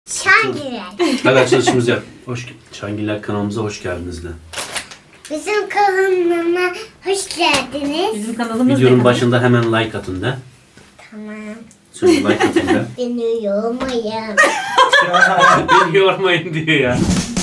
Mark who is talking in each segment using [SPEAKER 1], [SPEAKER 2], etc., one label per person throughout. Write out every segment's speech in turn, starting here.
[SPEAKER 1] Şangiller.
[SPEAKER 2] Hadi açılışımızı yap. Şangiller kanalımıza hoş geldiniz de.
[SPEAKER 1] Bizim kanalıma hoş geldiniz.
[SPEAKER 3] Bizim kanalımız
[SPEAKER 2] Videonun
[SPEAKER 3] ne?
[SPEAKER 2] başında hemen like atın de.
[SPEAKER 1] Tamam.
[SPEAKER 2] Söyle like atın de.
[SPEAKER 1] Beni yormayın.
[SPEAKER 2] Beni yormayın diyor ya.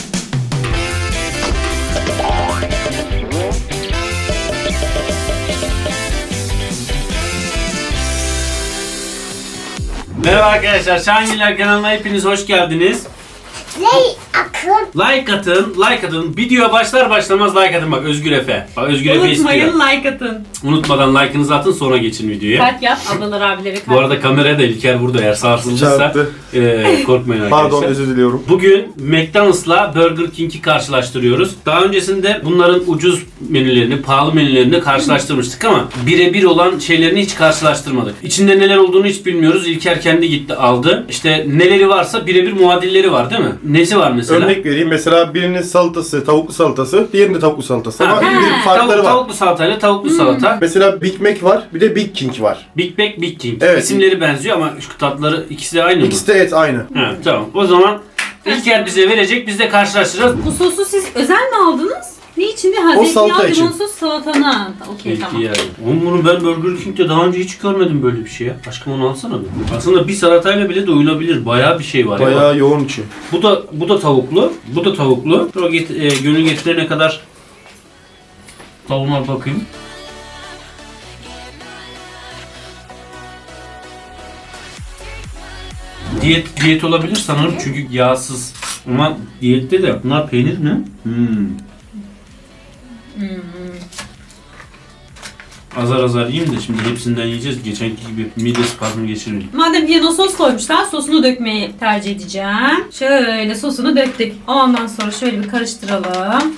[SPEAKER 2] Merhaba arkadaşlar, Şangiller kanalına hepiniz hoş geldiniz.
[SPEAKER 1] Ley akın.
[SPEAKER 2] Like atın, like atın. Video başlar başlamaz like atın bak Özgür Efe. Bak Özgür Efe
[SPEAKER 3] Unutmayın,
[SPEAKER 2] istiyor.
[SPEAKER 3] like atın.
[SPEAKER 2] Unutmadan like'ınızı atın sonra geçin videoya.
[SPEAKER 3] Kalp yap, ablalar abileri kalp.
[SPEAKER 2] Bu arada kameraya da İlker burada eğer sarsıldıysa
[SPEAKER 4] Çarptı.
[SPEAKER 2] Korkmayın arkadaşlar.
[SPEAKER 4] Pardon, özür diliyorum.
[SPEAKER 2] Bugün McDonald's'la Burger King'i karşılaştırıyoruz. Daha öncesinde bunların ucuz menülerini, pahalı menülerini karşılaştırmıştık ama birebir olan şeylerini hiç karşılaştırmadık. İçinde neler olduğunu hiç bilmiyoruz. İlker kendi gitti aldı. İşte neleri varsa birebir muadilleri var değil mi? Nesi var mesela?
[SPEAKER 4] Örnek vereyim. Mesela birinin salatası, tavuklu salatası, diğerinin tavuklu salatası. Ama bir farkları var.
[SPEAKER 2] Tavuklu salatayla tavuklu salata.
[SPEAKER 4] Mesela Big Mac var, bir de Big King var.
[SPEAKER 2] Big Mac, Big King.
[SPEAKER 4] Evet.
[SPEAKER 2] İsimleri benziyor ama şu tatları ikisi de aynı mı?
[SPEAKER 4] İkisi de et aynı.
[SPEAKER 2] Ha, tamam. O zaman İlker bize verecek, biz de karşılaştıracağız.
[SPEAKER 3] Bu sosu siz özel mi aldınız? Ne içinde?
[SPEAKER 4] O salata için.
[SPEAKER 3] Limon sos salatana. Okey
[SPEAKER 2] Peki
[SPEAKER 3] tamam.
[SPEAKER 2] yani. Oğlum bunu ben Burger King'de daha önce hiç görmedim böyle bir şey ya. Aşkım onu alsana bir. Aslında bir salatayla bile doyulabilir. Bayağı bir şey var ya.
[SPEAKER 4] Bayağı yoğun içi.
[SPEAKER 2] Bu da tavuklu. Bu da tavuklu. Dur gönül getirene kadar tavuğuna bakayım. Diyet olabilir sanırım çünkü yağsız. Ama diyette de bunlar peynir mi? Azar azar yiyeyim de şimdi hepsinden yiyeceğiz. Geçenki gibi mide spazmı geçirmeyin.
[SPEAKER 3] Madem yanına sos koymuşlar, sosunu dökmeyi tercih edeceğim. Şöyle sosunu döktük. Ondan sonra şöyle bir karıştıralım.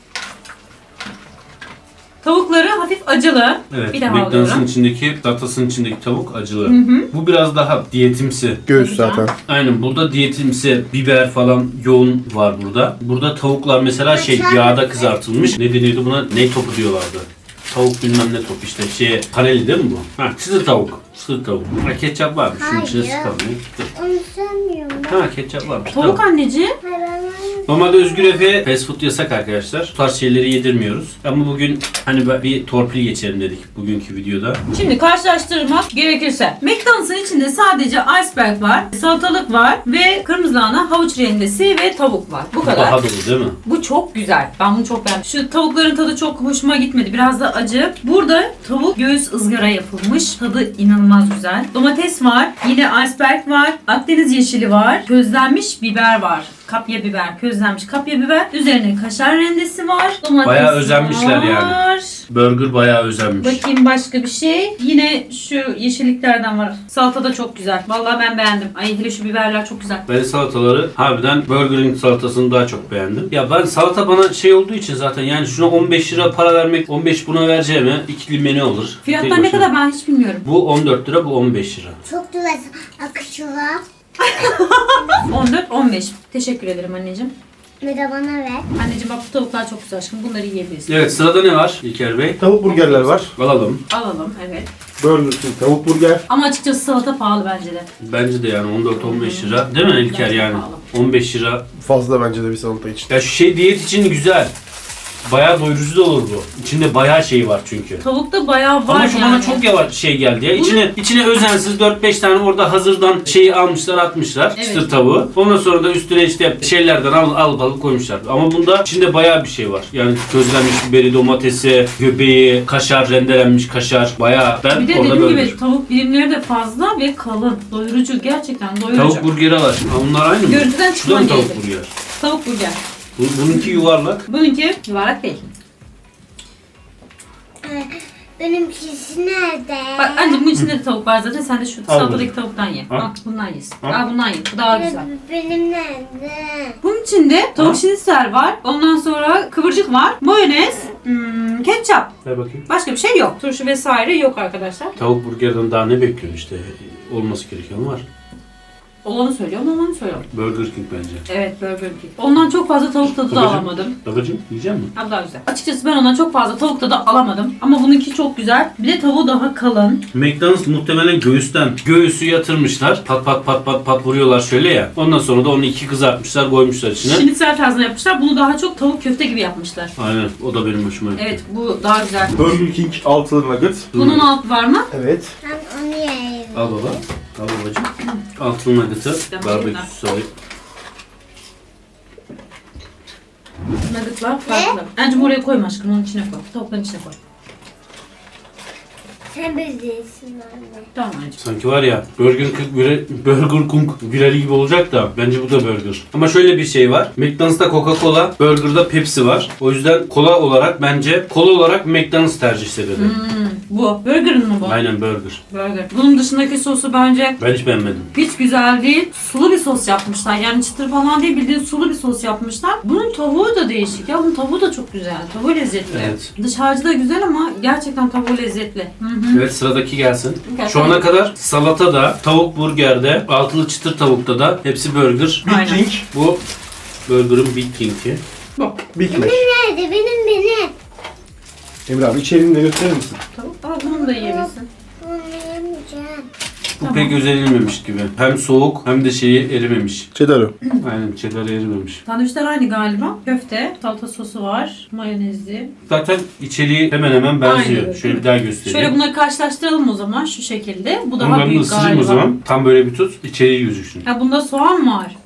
[SPEAKER 3] Tavukları hafif acılı.
[SPEAKER 2] Evet,
[SPEAKER 3] Bir daha
[SPEAKER 2] McDonald's'ın
[SPEAKER 3] alıyorum.
[SPEAKER 2] içindeki, salatasının içindeki tavuk acılı. Bu biraz daha diyetimsi.
[SPEAKER 4] Göğüs
[SPEAKER 3] Güzel.
[SPEAKER 4] zaten.
[SPEAKER 2] Aynen burada diyetimsi, biber falan yoğun var burada. Burada tavuklar mesela yağda kızartılmış. Ne deniyordu buna? Ne topu diyorlardı. Tavuk bilmem ne top işte paneli değil mi bu? Ha çıtır tavuk. Çıtır tavuk. Ha ketçap varmış. Şunun içine
[SPEAKER 1] Hayır.
[SPEAKER 2] sıkalım.
[SPEAKER 1] Onu sevmiyorum.
[SPEAKER 2] Ha ketçap varmış.
[SPEAKER 3] Tavuk
[SPEAKER 2] Tamam.
[SPEAKER 3] anneciğim.
[SPEAKER 1] Hayır ben
[SPEAKER 2] Normalde Özgür Efe fast food yasak arkadaşlar. Bu tarz şeyleri yedirmiyoruz. Ama bugün hani bir torpil geçelim dedik bugünkü videoda.
[SPEAKER 3] Şimdi karşılaştırmak gerekirse McDonald's'ın içinde sadece iceberg var, salatalık var ve kırmızı lahana, havuç rendesi ve tavuk var. Bu kadar.
[SPEAKER 2] Daha dolu değil mi?
[SPEAKER 3] Bu çok güzel. Ben bunu çok beğendim. Şu tavukların tadı çok hoşuma gitmedi. Biraz da acı. Burada tavuk göğüs ızgara yapılmış. Tadı inanılmaz güzel. Domates var. Yine iceberg var. Akdeniz yeşili var. Közlenmiş biber var. Kapya biber, közlenmiş kapya biber. Üzerine kaşar rendesi var. Domates
[SPEAKER 2] Bayağı özenmişler yani.
[SPEAKER 3] var.
[SPEAKER 2] Burger bayağı özenmiş.
[SPEAKER 3] Bakayım başka bir şey. Yine şu yeşilliklerden var. Salata da çok güzel. Vallahi ben beğendim. Ay hele şu biberler çok güzel.
[SPEAKER 2] Ben salataları harbiden Burger'in salatasını daha çok beğendim. Ya ben salata bana şey olduğu için zaten yani şuna 15 lira para vermek 15 buna vereceğime ikili menü olur.
[SPEAKER 3] Fiyatlar
[SPEAKER 2] Tek
[SPEAKER 3] ne
[SPEAKER 2] başına.
[SPEAKER 3] kadar ben hiç bilmiyorum.
[SPEAKER 2] Bu 14 lira, bu 15 lira.
[SPEAKER 1] çok güzel akışı var.
[SPEAKER 3] 14-15. Teşekkür ederim anneciğim.
[SPEAKER 1] Bir de bana ver.
[SPEAKER 3] Anneciğim bak bu tavuklar çok güzel aşkım. Bunları yiyebilirsin.
[SPEAKER 2] Evet sırada ne var İlker Bey?
[SPEAKER 4] Tavuk burgerler var.
[SPEAKER 2] Alalım.
[SPEAKER 3] Alalım evet.
[SPEAKER 4] Burger King tavuk burger.
[SPEAKER 3] Ama açıkçası salata pahalı bence de.
[SPEAKER 2] Bence de yani 14-15 lira. Değil mi İlker
[SPEAKER 3] Bence
[SPEAKER 2] yani?
[SPEAKER 3] pahalı.
[SPEAKER 2] 15 lira.
[SPEAKER 4] Fazla bence de bir salata için.
[SPEAKER 2] Ya şu şey diyet için güzel. Bayağı doyurucu da olur bu. İçinde bayağı şey var çünkü.
[SPEAKER 3] Tavukta bayağı var
[SPEAKER 2] Ama şu
[SPEAKER 3] yani.
[SPEAKER 2] bana çok yavaş şey geldi ya. İçine özensiz 4-5 tane orada hazırdan şeyi almışlar atmışlar.
[SPEAKER 3] Evet.
[SPEAKER 2] Çıtır tavuğu. Ondan sonra da üstüne işte şeylerden alıp koymuşlar. Ama bunda içinde bayağı bir şey var. Yani közlenmiş biberi, domatesi, göbeği, kaşar, rendelenmiş kaşar. Bayağı ben
[SPEAKER 3] Bir de
[SPEAKER 2] orada
[SPEAKER 3] dediğim
[SPEAKER 2] böyle
[SPEAKER 3] gibi tavuk birimleri de fazla ve kalın. Doyurucu. Gerçekten doyurucu.
[SPEAKER 2] Tavuk burgeri al aşkım. Ha, bunlar aynı mı?
[SPEAKER 3] Görüntüden
[SPEAKER 2] Şu da mı
[SPEAKER 3] çıkman
[SPEAKER 2] tavuk
[SPEAKER 3] gerekir.
[SPEAKER 2] burger?
[SPEAKER 3] Tavuk burger.
[SPEAKER 2] Bununki yuvarlak.
[SPEAKER 3] Bununki yuvarlak değil.
[SPEAKER 1] Benimkisi nerede?
[SPEAKER 3] Bak anne bunun içinde de tavuk var zaten. Sen de şu
[SPEAKER 2] Al
[SPEAKER 3] salatadaki
[SPEAKER 2] bunu.
[SPEAKER 3] tavuktan ye.
[SPEAKER 2] Al.
[SPEAKER 3] Al bundan yesin.
[SPEAKER 2] Al.
[SPEAKER 3] Al bundan ye. Bu daha güzel.
[SPEAKER 1] Benim nerede?
[SPEAKER 3] Bunun içinde tavuk
[SPEAKER 2] Ha?
[SPEAKER 3] şinitzel var. Ondan sonra kıvırcık var. Mayonez, ketçap.
[SPEAKER 2] Ver bakayım.
[SPEAKER 3] Başka bir şey yok. Turşu vesaire yok arkadaşlar.
[SPEAKER 2] Tavuk burgerden daha ne bekliyorsun işte? Olması gereken var.
[SPEAKER 3] Olanı söylüyorum, olanı söylüyorum.
[SPEAKER 2] Burger King bence.
[SPEAKER 3] Evet, Burger King. Ondan çok fazla tavuk tadı da
[SPEAKER 2] Babacım.
[SPEAKER 3] alamadım.
[SPEAKER 2] Babacım yiyecek misin?
[SPEAKER 3] Ha, daha güzel. Açıkçası ben ondan çok fazla tavuk tadı alamadım. Ama bununki çok güzel. Bir de tavuğu daha kalın.
[SPEAKER 2] McDonald's muhtemelen göğüsü yatırmışlar. Pat pat pat pat pat vuruyorlar şöyle ya. Ondan sonra da onu iki kızartmışlar, koymuşlar içine.
[SPEAKER 3] Şinitsel tarzına yapmışlar. Bunu daha çok tavuk köfte gibi yapmışlar.
[SPEAKER 2] Aynen. O da benim hoşuma gitti.
[SPEAKER 3] Evet, bu daha güzel.
[SPEAKER 4] Burger King altılı nugget.
[SPEAKER 3] Bunun altı var mı?
[SPEAKER 4] Evet.
[SPEAKER 1] Ben onu yiyeyim.
[SPEAKER 2] Al baba. Al babacım. Altılı nugget'ı.
[SPEAKER 3] Tamam,
[SPEAKER 2] Barbekü sosu.
[SPEAKER 3] Nuggetlar farklı. Bence oraya koyma aşkım, onun içine koy. Tavukların içine koy.
[SPEAKER 1] Sen bilirsin anne.
[SPEAKER 3] Tamam anneciğim.
[SPEAKER 2] Sanki var ya Burger King virali gibi olacak da bence bu da burger. Ama şöyle bir şey var. McDonald's'ta Coca-Cola, Burger'da Pepsi var. O yüzden kola olarak McDonald's tercih sebebi.
[SPEAKER 3] Bu. Burger'ın mı bu?
[SPEAKER 2] Aynen burger.
[SPEAKER 3] Burger. Bunun dışındaki sosu bence
[SPEAKER 2] Ben hiç beğenmedim.
[SPEAKER 3] hiç güzel değil. Sulu bir sos yapmışlar. Yani çıtır falan değil, bildiğin sulu bir sos yapmışlar. Bunun tavuğu da değişik ya. Bunun tavuğu da çok güzel. Tavuğu lezzetli.
[SPEAKER 2] Evet.
[SPEAKER 3] Dış harcı da güzel ama gerçekten tavuğu lezzetli. Hı.
[SPEAKER 2] Evet, sıradaki gelsin.
[SPEAKER 3] Gel.
[SPEAKER 2] Şu ana kadar salatada, tavuk burgerde, altılı çıtır tavukta da hepsi burger.
[SPEAKER 4] Big
[SPEAKER 3] Aynen.
[SPEAKER 4] King.
[SPEAKER 2] Bu burger'ın Big King'i.
[SPEAKER 3] Bu.
[SPEAKER 4] Big Mac.
[SPEAKER 1] Nerede? Benim.
[SPEAKER 4] Emre abi içeriğini de gösterir misin?
[SPEAKER 3] Tavuk. Aa, bunu da yiyebilirsin.
[SPEAKER 1] Bunu yemeyeceğim.
[SPEAKER 2] Bu
[SPEAKER 3] Tamam.
[SPEAKER 2] pek özenilmemiş gibi. Hem soğuk hem de şeyi erimemiş.
[SPEAKER 4] Cheddar'ı.
[SPEAKER 2] Aynen cheddar erimemiş.
[SPEAKER 3] Sandviçler aynı galiba. Köfte, salata sosu var, mayonezli.
[SPEAKER 2] Zaten içeriği hemen hemen benziyor.
[SPEAKER 3] Aynen.
[SPEAKER 2] Şöyle bir daha göstereyim.
[SPEAKER 3] Şöyle bunları karşılaştıralım o zaman şu şekilde. Bu
[SPEAKER 2] Ama
[SPEAKER 3] daha
[SPEAKER 2] ben bunu
[SPEAKER 3] büyük
[SPEAKER 2] ısırayım
[SPEAKER 3] galiba.
[SPEAKER 2] o zaman. Tam böyle bir tut. İçeriği gözüksün.
[SPEAKER 3] Ha, bunda soğan var.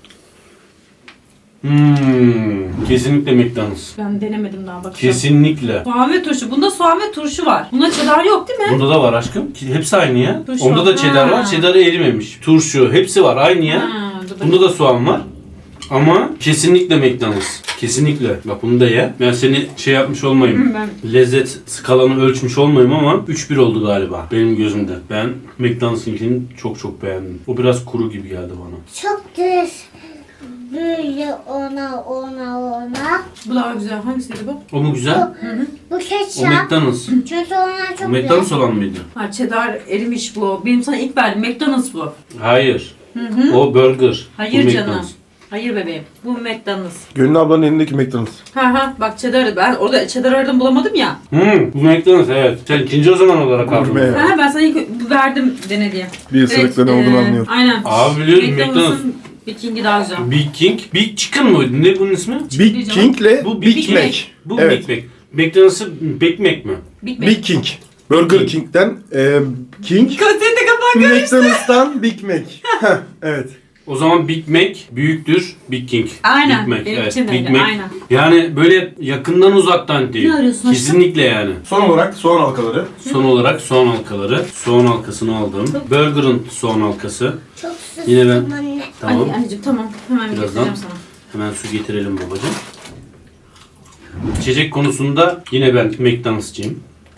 [SPEAKER 2] Kesinlikle McDonald's.
[SPEAKER 3] Ben denemedim daha, bakacağım.
[SPEAKER 2] Kesinlikle.
[SPEAKER 3] Soğan ve turşu. Bunda soğan ve turşu var. Bunda cheddar yok değil mi?
[SPEAKER 2] Bunda da var aşkım. Hepsi aynı ya.
[SPEAKER 3] Turşu
[SPEAKER 2] Onda
[SPEAKER 3] var.
[SPEAKER 2] da cheddar
[SPEAKER 3] Ha.
[SPEAKER 2] var. Cheddar erimemiş. Turşu. Hepsi var. Aynı ya.
[SPEAKER 3] Ha, dur bakayım.
[SPEAKER 2] Bunda da soğan var. Ama kesinlikle McDonald's. Kesinlikle. Bak bunu da ye. Ben seni şey yapmış olmayayım.
[SPEAKER 3] Ben
[SPEAKER 2] Lezzet skalanı ölçmüş olmayayım ama 3-1 oldu galiba benim gözümde. Ben McDonald's'ınkini çok beğendim. O biraz kuru gibi geldi bana.
[SPEAKER 1] Çok düz. Böyle ona.
[SPEAKER 3] bu daha güzel. Hangisiydi bu?
[SPEAKER 2] O mu güzel?
[SPEAKER 1] Bu
[SPEAKER 2] O
[SPEAKER 1] ketçap.
[SPEAKER 2] McDonald's.
[SPEAKER 1] Çünkü onlar
[SPEAKER 2] O
[SPEAKER 1] çok
[SPEAKER 2] McDonald's olan mıydı?
[SPEAKER 3] Ha, cheddar erimiş bu. Benim sana ilk verdim. McDonald's bu.
[SPEAKER 2] Hayır. O burger.
[SPEAKER 3] Hayır
[SPEAKER 2] Bu
[SPEAKER 3] canım.
[SPEAKER 2] McDonald's.
[SPEAKER 3] Hayır bebeğim. Bu McDonald's.
[SPEAKER 4] Gönül ablanın elindeki McDonald's.
[SPEAKER 3] Ha bak cheddar'ı ben orada cheddar aradım bulamadım ya.
[SPEAKER 2] Bu McDonald's evet. Sen ikinci o zaman olarak aldın.
[SPEAKER 4] Gurme.
[SPEAKER 3] Ha ben sana ilk verdim dene diye.
[SPEAKER 4] Bir ısırıkla ne olduğunu anlıyorum.
[SPEAKER 3] Aynen.
[SPEAKER 2] Abi biliyorum,
[SPEAKER 3] McDonald's'ın Big King'i daha güzel.
[SPEAKER 2] Big King. Big Chicken mıydı? Ne bunun ismi?
[SPEAKER 4] Big
[SPEAKER 3] Canım.
[SPEAKER 4] King'le
[SPEAKER 2] Bu
[SPEAKER 4] Big,
[SPEAKER 2] Big
[SPEAKER 4] Mac.
[SPEAKER 2] Mac. Bu
[SPEAKER 4] Evet.
[SPEAKER 2] Big Mac. McDonald's'ın Big Mac mi?
[SPEAKER 3] Big Mac.
[SPEAKER 4] Big King. Burger King'den King.
[SPEAKER 3] Senin de kafan karıştı.
[SPEAKER 4] McDonald's'tan Big Mac. Heh, evet.
[SPEAKER 2] O zaman Big Mac büyüktür Big King.
[SPEAKER 3] Aynen,
[SPEAKER 2] Big Mac.
[SPEAKER 3] benim
[SPEAKER 2] Evet,
[SPEAKER 3] için de
[SPEAKER 2] Big
[SPEAKER 3] öyle,
[SPEAKER 2] Mac.
[SPEAKER 3] aynen.
[SPEAKER 2] Yani böyle yakından uzaktan değil.
[SPEAKER 3] Ne arıyorsun aşkım?
[SPEAKER 2] Kesinlikle yani.
[SPEAKER 4] Son olarak soğan halkaları.
[SPEAKER 2] Son olarak soğan halkaları. Soğan halkasını aldım. Burger'ın soğan halkası.
[SPEAKER 1] Çok
[SPEAKER 2] Yine ben-
[SPEAKER 1] sustum anne.
[SPEAKER 2] Tamam.
[SPEAKER 3] Anneciğim tamam. Hemen
[SPEAKER 2] Birazdan.
[SPEAKER 3] getireceğim sana.
[SPEAKER 2] Hemen su getirelim babacığım. İçecek konusunda yine ben McDonald's'cıyım.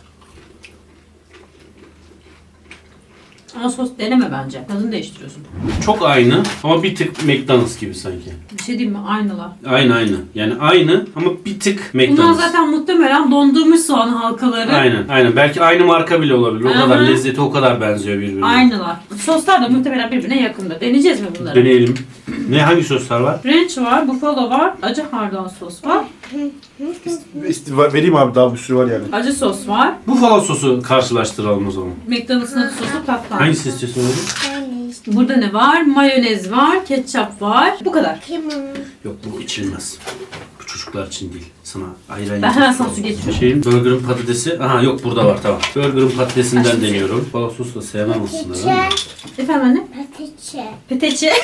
[SPEAKER 3] Ama sos deneme bence. Tadını değiştiriyorsun.
[SPEAKER 2] Çok aynı ama bir tık McDonald's gibi sanki.
[SPEAKER 3] Bir şey diyeyim mi? Aynılar.
[SPEAKER 2] Aynı. Yani aynı ama bir tık
[SPEAKER 3] Bunlar
[SPEAKER 2] McDonald's.
[SPEAKER 3] zaten muhtemelen dondurmuş soğan halkaları.
[SPEAKER 2] Aynen. Belki aynı marka bile olabilir. O
[SPEAKER 3] Aha.
[SPEAKER 2] kadar lezzeti o kadar benziyor birbirine.
[SPEAKER 3] Aynılar. Soslar da muhtemelen birbirine yakında. Deneyeceğiz mi bunları?
[SPEAKER 2] Deneyelim. Hangi soslar var?
[SPEAKER 3] Ranch var, buffalo var, acı hardal sos var,
[SPEAKER 4] Vereyim abi, daha bir sürü var yani.
[SPEAKER 3] acı sos var.
[SPEAKER 2] Buffalo sosu karşılaştıralım o zaman.
[SPEAKER 3] McDonald's'ın acı sosu tatlı.
[SPEAKER 2] Hangisi istiyorsun oğlum?
[SPEAKER 1] Ben işte.
[SPEAKER 3] Burada ne var? Mayonez var, ketçap var. Bu kadar.
[SPEAKER 1] Kim o?
[SPEAKER 2] Yok bu içilmez. Bu çocuklar için değil. Sana ayran
[SPEAKER 3] Ben hemen
[SPEAKER 2] yapayım.
[SPEAKER 3] sana su getiriyorum.
[SPEAKER 2] Burger'ın patatesi. Aha yok burada var tamam. Burger'ın patatesinden
[SPEAKER 3] Aşkım.
[SPEAKER 2] deniyorum. Buffalo sosu da sevmem aslında.
[SPEAKER 1] Peteçe.
[SPEAKER 2] ama.
[SPEAKER 3] Efendim anne?
[SPEAKER 1] Peteçe.
[SPEAKER 3] Peteçe.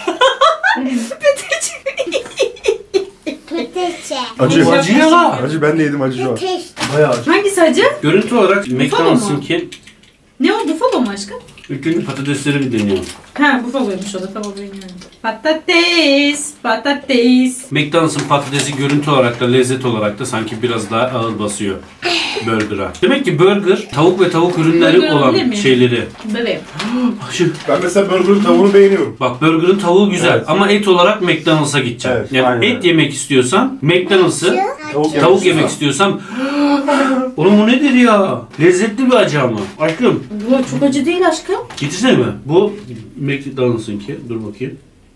[SPEAKER 1] Peteçe.
[SPEAKER 4] Acı.
[SPEAKER 3] Bu
[SPEAKER 2] acı ya lan.
[SPEAKER 4] Acı, ben de yedim, acı şu an.
[SPEAKER 1] Peteçe.
[SPEAKER 4] Bayağı acı.
[SPEAKER 3] Hangisi acı?
[SPEAKER 2] Görüntü olarak McDonald's'ınki
[SPEAKER 3] Ne o? Buffalo mu aşkım?
[SPEAKER 2] üçüncü patatesleri bir deniyor.
[SPEAKER 3] Ha, buffaloymuş o da. Tamam bilmiyorum. Patates.
[SPEAKER 2] McDonald's'ın patatesi görüntü olarak da lezzet olarak da sanki biraz daha ağır basıyor burger'a. Demek ki burger tavuk ve tavuk ürünleri
[SPEAKER 3] Burger olabilir
[SPEAKER 2] olan
[SPEAKER 3] mi?
[SPEAKER 2] şeyleri.
[SPEAKER 3] Bebeğim.
[SPEAKER 4] Ben mesela burger'ın tavuğunu beğeniyorum.
[SPEAKER 2] Bak burger'ın tavuğu güzel
[SPEAKER 4] Evet.
[SPEAKER 2] ama et olarak McDonald's'a gideceğim.
[SPEAKER 4] Evet,
[SPEAKER 2] Yani
[SPEAKER 4] aynen
[SPEAKER 2] et
[SPEAKER 4] öyle.
[SPEAKER 2] yemek istiyorsan McDonald's'ı,
[SPEAKER 4] Tavuk
[SPEAKER 2] tavuk yemek istiyorsam Oğlum bu nedir ya? Lezzetli bir acı ama. Aşkım.
[SPEAKER 3] Bu çok acı değil aşkım.
[SPEAKER 2] Getirsene mi? Bu McDonald's'ınki. Dur bakayım.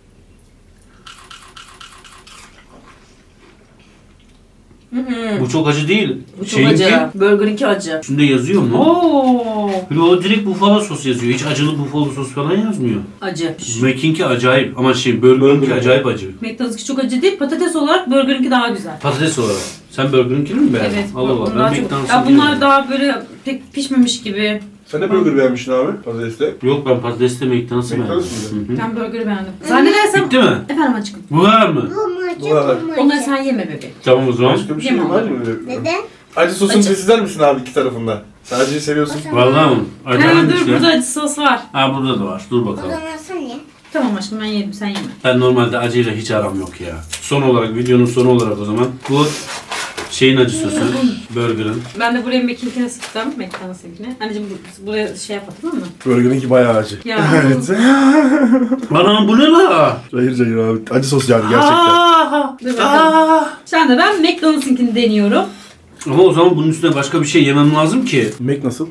[SPEAKER 2] Bu çok acı değil.
[SPEAKER 3] Bu çok
[SPEAKER 2] Şeyinki,
[SPEAKER 3] acı. Burger'inki acı.
[SPEAKER 2] üstünde yazıyor mu?
[SPEAKER 3] Oo.
[SPEAKER 2] O direkt buffalo sos yazıyor. Hiç acılı buffalo sos falan yazmıyor.
[SPEAKER 3] Acı.
[SPEAKER 2] Mac'inki acayip ama Burger'inki
[SPEAKER 4] Burger.
[SPEAKER 2] acayip acı.
[SPEAKER 3] McDonald's'ki çok acı değil. Patates olarak Burger'inki daha güzel.
[SPEAKER 2] Patates olarak. Sen Burger'inkini mi beğendin?
[SPEAKER 3] Evet.
[SPEAKER 2] Allah Allah.
[SPEAKER 3] bunlar
[SPEAKER 2] Ben
[SPEAKER 3] çok-
[SPEAKER 2] McDonald's'ı
[SPEAKER 3] Ya bunlar daha böyle pek pişmemiş gibi.
[SPEAKER 4] Sen de burger beğenmiştin abi patatesle.
[SPEAKER 2] Yok ben patatesle McDonald's'ı
[SPEAKER 4] McDonald's
[SPEAKER 2] beğendim.
[SPEAKER 4] mıydı?
[SPEAKER 2] Hı hı.
[SPEAKER 3] Ben burger'ı beğendim. Zannedersem...
[SPEAKER 2] Bitti mi?
[SPEAKER 3] Efendim aşkım.
[SPEAKER 2] Bu var mı?
[SPEAKER 1] Bu mu
[SPEAKER 4] Bu var.
[SPEAKER 1] acı?
[SPEAKER 3] Onları sen yeme bebeğim.
[SPEAKER 2] Tamam o zaman.
[SPEAKER 4] Başka bir şey
[SPEAKER 3] Yemem.
[SPEAKER 4] var mı öyle?
[SPEAKER 1] Neden?
[SPEAKER 4] Acı sosunu
[SPEAKER 3] Acı.
[SPEAKER 4] test eder misin abi iki tarafında? Sen acıyı seviyorsun.
[SPEAKER 2] Vallahi mı? Acı
[SPEAKER 3] Ha,
[SPEAKER 2] hangisi?
[SPEAKER 3] dur burada acı sos var.
[SPEAKER 2] Ha burada da var. Dur
[SPEAKER 1] O
[SPEAKER 2] bakalım.
[SPEAKER 1] zaman sen ye.
[SPEAKER 3] Tamam aşkım ben yedim sen yeme.
[SPEAKER 2] Ben normalde acıyla hiç aram yok ya. Son olarak, videonun sonu olarak o zaman. Bu şeyin acı sosu. Burger'ın.
[SPEAKER 3] Ben de buraya McKinkine sıktım. McDonald's'ınkine. Anneciğim buraya şey yapma tamam mı?
[SPEAKER 4] Burger'inki bayağı acı.
[SPEAKER 3] Ya.
[SPEAKER 4] Evet.
[SPEAKER 2] Anam bu ne la?
[SPEAKER 4] Cayır cayır abi. Acı sos yani gerçekten.
[SPEAKER 2] Aa,
[SPEAKER 3] Dur bakalım. Şu anda ben McDonald's'ınkini deniyorum.
[SPEAKER 2] Ama o zaman bunun üstüne başka bir şey yemem lazım ki.
[SPEAKER 4] Mac nasıl?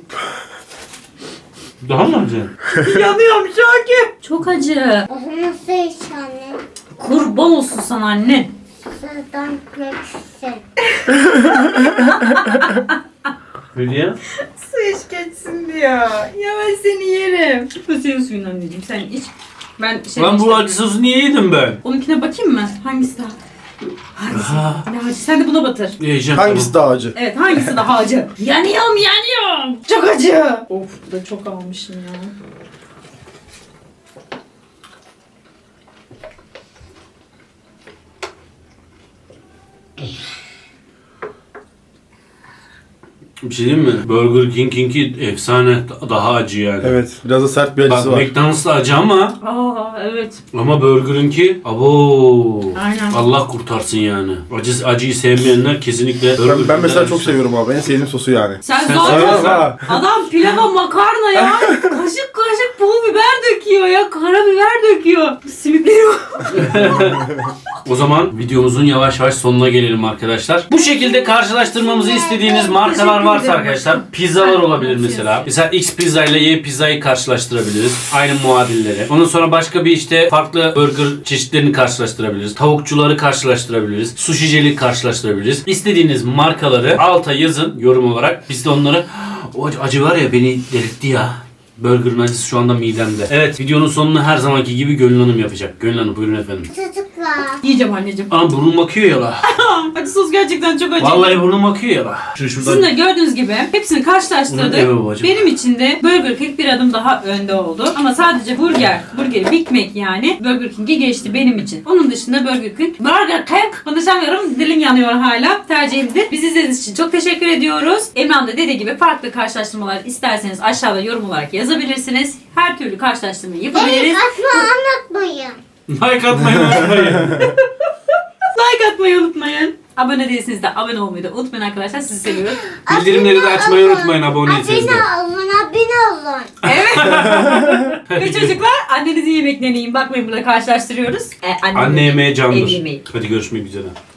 [SPEAKER 2] Daha mı acı?
[SPEAKER 3] Yanıyorum Şakir. Çok acı.
[SPEAKER 1] O zaman su iç anne.
[SPEAKER 3] Kurban olsun sana annen.
[SPEAKER 1] Sudan geçsin.
[SPEAKER 2] Hülya?
[SPEAKER 3] Su iç geçsin diyor. Ya ben seni yerim. Bu senin suyun anneciğim sen iç. Ben şey
[SPEAKER 2] Lan bu
[SPEAKER 3] işte-
[SPEAKER 2] acı sosu niye yedim ben?
[SPEAKER 3] Onunkine bakayım mı? Hangisi daha?
[SPEAKER 2] Aha.
[SPEAKER 3] Ne acı? Sen de buna batır.
[SPEAKER 2] Yiyeceğim.
[SPEAKER 4] Hangisi daha acı?
[SPEAKER 3] Evet hangisi daha acı? yanıyorum. Çok acı. Of bu da çok almışım ya.
[SPEAKER 2] Bir şey diyeyim mi? Burger King'inki efsane. Daha acı yani.
[SPEAKER 4] Evet. Biraz da sert bir
[SPEAKER 2] Bak
[SPEAKER 4] acısı var.
[SPEAKER 2] McDonald's'la acı ama
[SPEAKER 3] Evet.
[SPEAKER 2] Burger'ınki abo.
[SPEAKER 3] Aynen.
[SPEAKER 2] Allah kurtarsın yani. Acıyı sevmeyenler kesinlikle
[SPEAKER 4] Ben mesela çok seviyorum abi. En sevdiğim sosu yani.
[SPEAKER 3] Sen
[SPEAKER 2] Sen
[SPEAKER 3] zaten
[SPEAKER 2] seviyorsun
[SPEAKER 4] ha.
[SPEAKER 3] adam pilava makarna ya. Kaşık kaşık pul biber döküyor ya. Karabiber döküyor. Simitleri
[SPEAKER 2] O zaman videomuzun yavaş yavaş sonuna gelelim arkadaşlar. Bu şekilde karşılaştırmamızı istediğiniz markalar
[SPEAKER 3] Teşekkür
[SPEAKER 2] varsa
[SPEAKER 3] ederim.
[SPEAKER 2] arkadaşlar pizzalar olabilir
[SPEAKER 3] Afiyet
[SPEAKER 2] mesela. Mesela X pizza ile Y pizzayı karşılaştırabiliriz. Aynı muadilleri. Ondan sonra başka bir işte farklı burger çeşitlerini karşılaştırabiliriz. Tavukçuları karşılaştırabiliriz. Sushici'li karşılaştırabiliriz. İstediğiniz markaları alta yazın yorum olarak. Biz de onları o acı var ya beni delirtti ya. Burger'ın acısı şu anda midemde. Evet videonun sonunu her zamanki gibi Gönül Hanım yapacak. Gönül Hanım buyurun efendim.
[SPEAKER 1] Çocuklar.
[SPEAKER 3] yiyeceğim anneciğim.
[SPEAKER 2] Aa burnum akıyor ya la.
[SPEAKER 3] Acı sos gerçekten çok acı.
[SPEAKER 2] Vallahi burnum akıyor ya la. Şuradan.
[SPEAKER 3] Sizin de gördüğünüz gibi hepsini karşılaştırdık.
[SPEAKER 2] Evet babacığım.
[SPEAKER 3] Benim için de Burger King bir adım daha önde oldu. Ama sadece burger, Big Mac yani Burger King'i geçti benim için. Onun dışında Burger King konuşamıyorum, dilim yanıyor hala. Tercihimdir. Bizi izlediğiniz için çok teşekkür ediyoruz. Emrah'ın da dediği gibi farklı karşılaştırmalar isterseniz aşağıda yorum olarak yazabilirsiniz. Her türlü karşılaştırmayı yapabiliriz.
[SPEAKER 1] Atma anlatmayın.
[SPEAKER 2] Like atmayı unutmayın.
[SPEAKER 3] Like atmayı unutmayın. Abone değilseniz de abone olmayı da unutmayın arkadaşlar. Sizi seviyoruz.
[SPEAKER 2] Bildirimleri de açmayı unutmayın aboneyseniz de.
[SPEAKER 1] Abone olun.
[SPEAKER 3] Ve çocuklar annenizin yemeklerini yiyin. Bakmayın burada karşılaştırıyoruz.
[SPEAKER 2] Anne yemeği
[SPEAKER 3] Ev
[SPEAKER 2] candır.
[SPEAKER 3] yemeği.
[SPEAKER 2] Hadi görüşmek üzere.